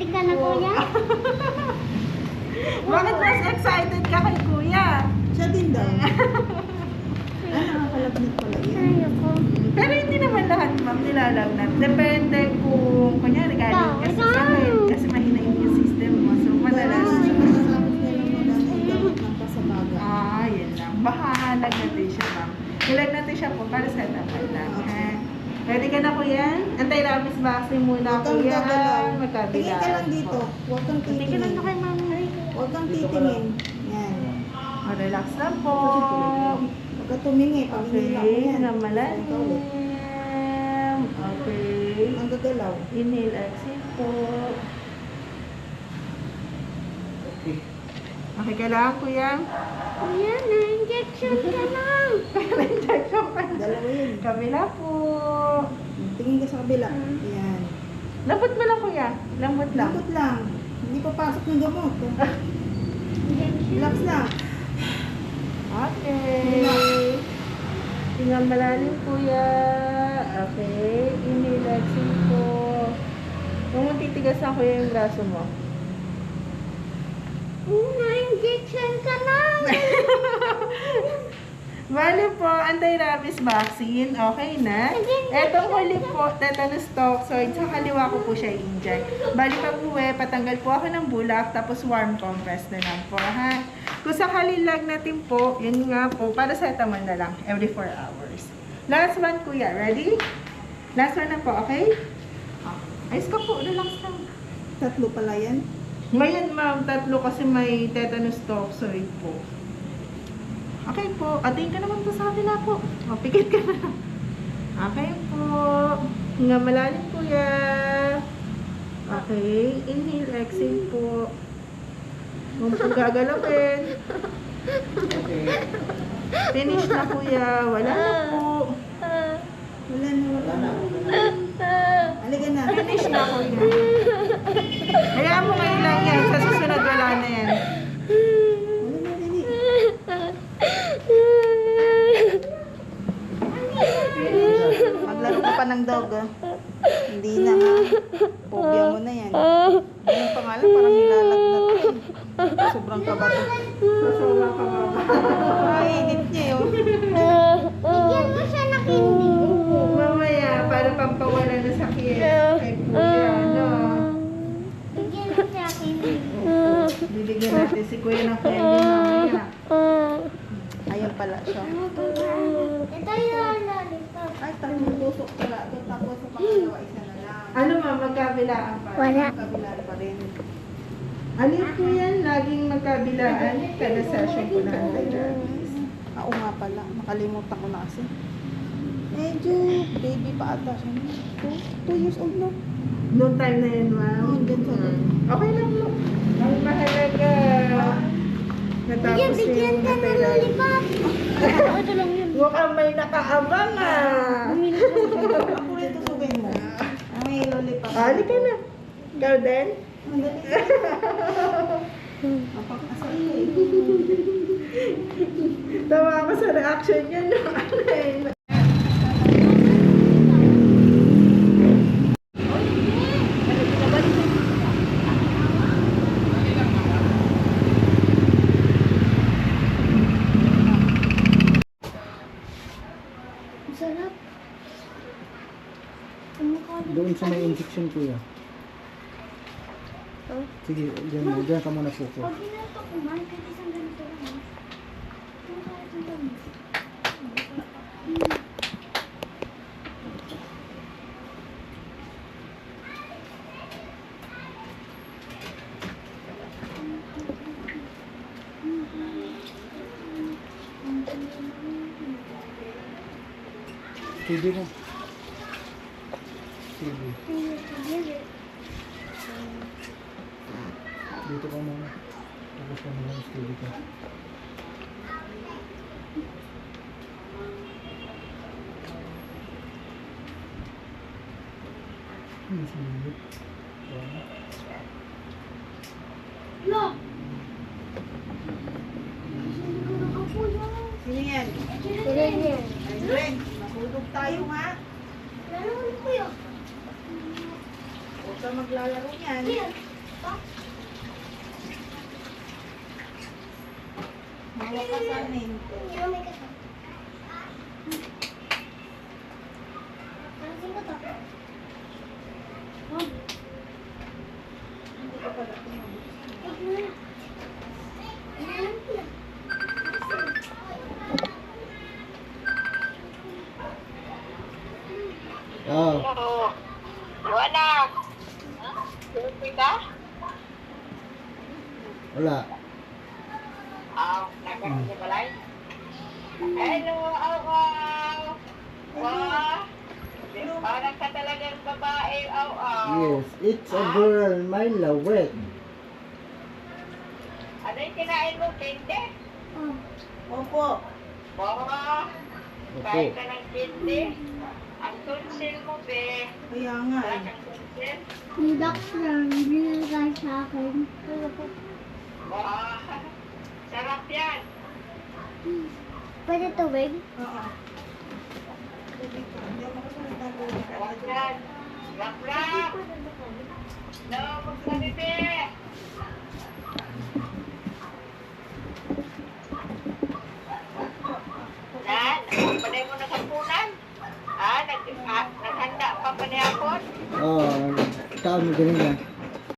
Ready ka na, kuya? Bakit mas excited ka kay kuya? Siya din daw. Nakakalagnat pala yan. Ayoko. Pero hindi naman lahat, ma'am, nilalagnat. Depende kung, kunyari, galing ka sa sakit. Kasi mahina yung system mo. So, madalas. Masasabi nilang maganda yung gamot ng pasabaga. Yun lang. Baka lagnatin siya, ma'am. Nilagnatin siya po para sa tapat lang. Ha? Ready ka na, kuya? Anti-rabies vaccine muna, Huwag kang kuya. gagalaw. Magkabila. Tingin ka lang dito. Huwag kang Tingin ka lang titingin. na kay ma'am. Huwag kang titingin. Yan. Relax lang po. Huwag ka tumingi. Pag hinila mo Okay, yan. na malalim. Ikaw ulit. Okay. Ang gagalaw. Inhale, exhale po. Okay ka lang, kuya? Kuya, na-injection ka lang. Injection pa. Dalawa yun. Kabila po. Tingin ka sa kabila. Yan. Lambot mo lang, kuya. Lambot lang. Lakot lang. Hindi papasok ng gamot. Relax lang. Okay. Tingnan malalim, kuya. Okay. Inhale, exhale po. Huwag mong titigas na, kuya, yung braso mo. Na-injection ka lang. Bale po, anti-rabies vaccine. Okay na. Etong huli po, tetanus toxoid. Sa kaliwa ko po siya i-inject. Bali pag uwi, patanggal po ako ng bulak, tapos warm compress na lang po, ha? Kung sakali lagnatin po, yun nga po, paracetamol na lang, every 4 hours. Last one, kuya. Ready? Last one na po, okay? Ayos ka po, relax lang. Tatlo pala yan. Ngayon, ma'am, 3 kasi may tetanus toxoid po. Okay po. Ating ka naman po sa kabila po. O, pikit ka na. Okay po. Nga malalim, kuya. Okay. Inhale, exhale po. Huwag po gagalapin. Okay. Finish na, kuya. Wala na po. Wala na. Halika na. Finish na, kuya. Hayaan mo ngayon lang yan. Sa susunod, wala na yan. Wala na, dali. Maglaro ka pa ng dog, ah. Hindi na, ha? Phobia mo na yan. Anong pangalan? Parang nilalagnat ka, eh. Sobrang kaba to. Sasama ka, mama. Ay, init niya, yun. Bigyan mo siya ng hindi. Mamaya, para pampawala na sakit. Kay kuya, ano. Bigyan mo siya ng hindi. Bibigyan natin si kuya ng candy mamaya. Ayun pala siya. Ito yung lollipop. Ay, tatlong tusok pala. Ito, tapos sa pangalawa, isa na lang. Ano ma'am, magkabilaan pa? Wala. Kabilaan pa rin. Ano po yan? Laging magkabilaan. Kada session ko na anti-rabies. Oo nga pala. Nakalimutan ko na kasi. Medyo baby pa ata siya. 2 years old na. Noong time na yun, ma'am. Hanggang sa Okay lang mo. Ang mahalaga. Natapos Bigyan yung ka ng anti-rabies. lollipop. Ito lang yun. Mukhang may nakaabang ah. Ako rin tusugin mo. May lollipop. Halika na. Ikaw din? Ang dali. Napakasal ko eh. Tawa ako sa reaction niya no. Ano eh. Sarap. Doon sa may injection, kuya. Oh. Sige, dyan ka muna po. Pag ginato ko man, kahit isang ganito lang. Ano kahit ang dami? Sige mo. Sige. Dito ka muna. Tapos ka muna. Sige ka. Sige. Lo! Sino yan? Sila yan. Ayun. Mahulog tayo nga. Lalo ko kuya. Huwag ka maglalaro yan. Kuya, Mawakasanin. Hindi mo may kasama. Pansin ko to. Oh, Hindi ka pala tumawag. wag na. Ayan ko na. Oh, Wala. Susi ka? wala. Nagkaroon sa balay? Hello, aw. Wow. Parang ka talagang babae, aw. Yes, it's a girl, my lawet. Ano yung kinain mo, kinde? Oh, Opo. Wow. Opo. Kain ka ng kinde. Ang tunsil mo, be. Kaya nga Wala eh. kang tunsil? yung doctor, binigay sa akin. Wow. Sarap yan. Pwede tubig? Oo. Tubig ko. Hindi ako makasalita ng tubig. Sarap yan. Rap. No, magsabi, be. Panay mo naghapunan? Naghanda pa pa niya ako? Oh, taon mo ganun yan.